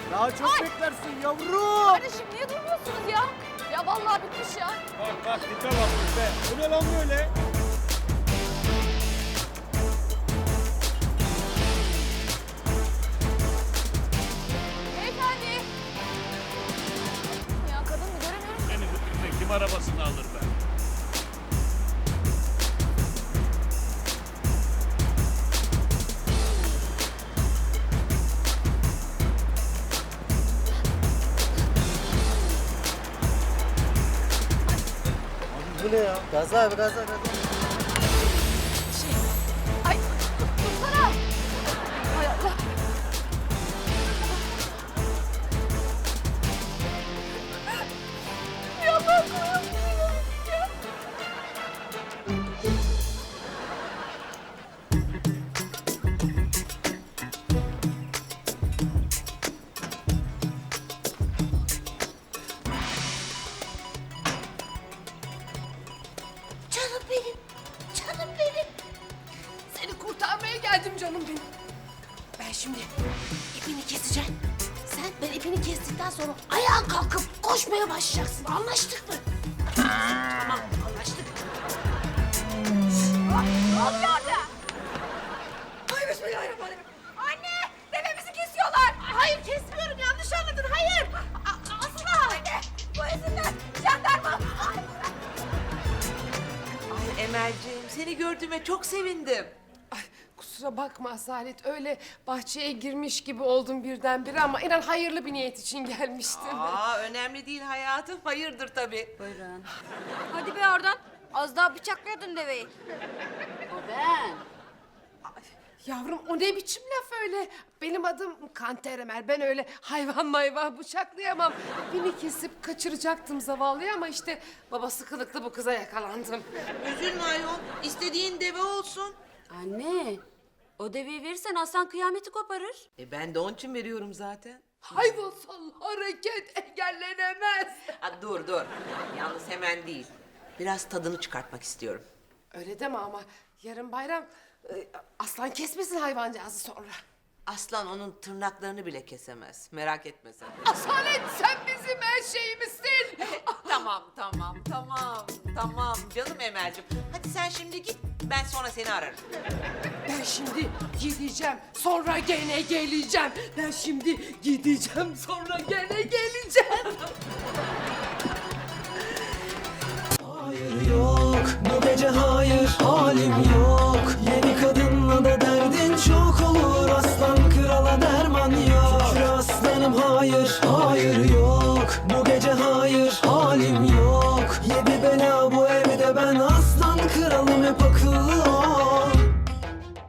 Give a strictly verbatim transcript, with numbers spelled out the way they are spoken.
Daha çok Ay! beklersin yavrum. Kardeşim niye durmuyorsunuz ya? Ya vallahi bitmiş ya. Bak bak tipe bak tipe. Bu ne lan böyle? Beyefendi. Ya kadın mı göremiyorum. Beni bu tipe kim arabasını alır be? Bu ne ya? Gaza abi gaza gaza. Şey. Ay dursana. Hay Allah. Ya ben koyamıyorum ya. Canım benim, canım benim. Seni kurtarmaya geldim canım benim. Ben şimdi ipini keseceğim. Sen ben ipini kestikten sonra ayağa kalkıp koşmaya başlayacaksın. Anlaştık mı? Tamam, anlaştık. Ne oluyor orada? Ay bismillahirrahmanirrahim. Anne! Devemizi kesiyorlar. Hayır kesmiyorum, yanlış anladın. Hayır. A- asla. Anne! Bu izinler. Jandarma. Ay, Ay Emel'ciğim seni gördüğüme çok sevindim. Ay, kusura bakma Asalet, öyle bahçeye girmiş gibi oldum birdenbire ama inan hayırlı bir niyet için gelmiştim. Aa önemli değil hayatım, hayırdır tabii. Buyurun. Hadi be oradan. Az daha bıçaklıyordun deveyi. O ben. Yavrum o ne biçim laf öyle? Benim adım Kanter Emel, ben öyle hayvan mayvan bıçaklayamam. Beni kesip kaçıracaktım zavallıyı ama işte babası kılıklı bu kıza yakalandım. Üzülme ayol, istediğin deve olsun. Anne, o deveyi verirsen aslan kıyameti koparır. E ben de onun için veriyorum zaten. Hayvansal hareket engellenemez. Ha, dur dur, yalnız hemen değil. Biraz tadını çıkartmak istiyorum. Öyle deme ama yarın bayram e, aslan kesmesin hayvancağızı sonra. Aslan onun tırnaklarını bile kesemez, merak etme sen. Asalet sen bizim her şeyimizsin. Tamam tamam tamam tamam canım Emel'ciğim. Hadi sen şimdi git, ben sonra seni ararım. Ben şimdi gideceğim, sonra gene geleceğim. Ben şimdi gideceğim, sonra gene geleceğim. Hayır yok, bu gece hayır, halim yok. Yeni kadınla da derdin çok olur, aslan krala derman yok. Şükür aslanım hayır, hayır yok, bu gece hayır, halim yok.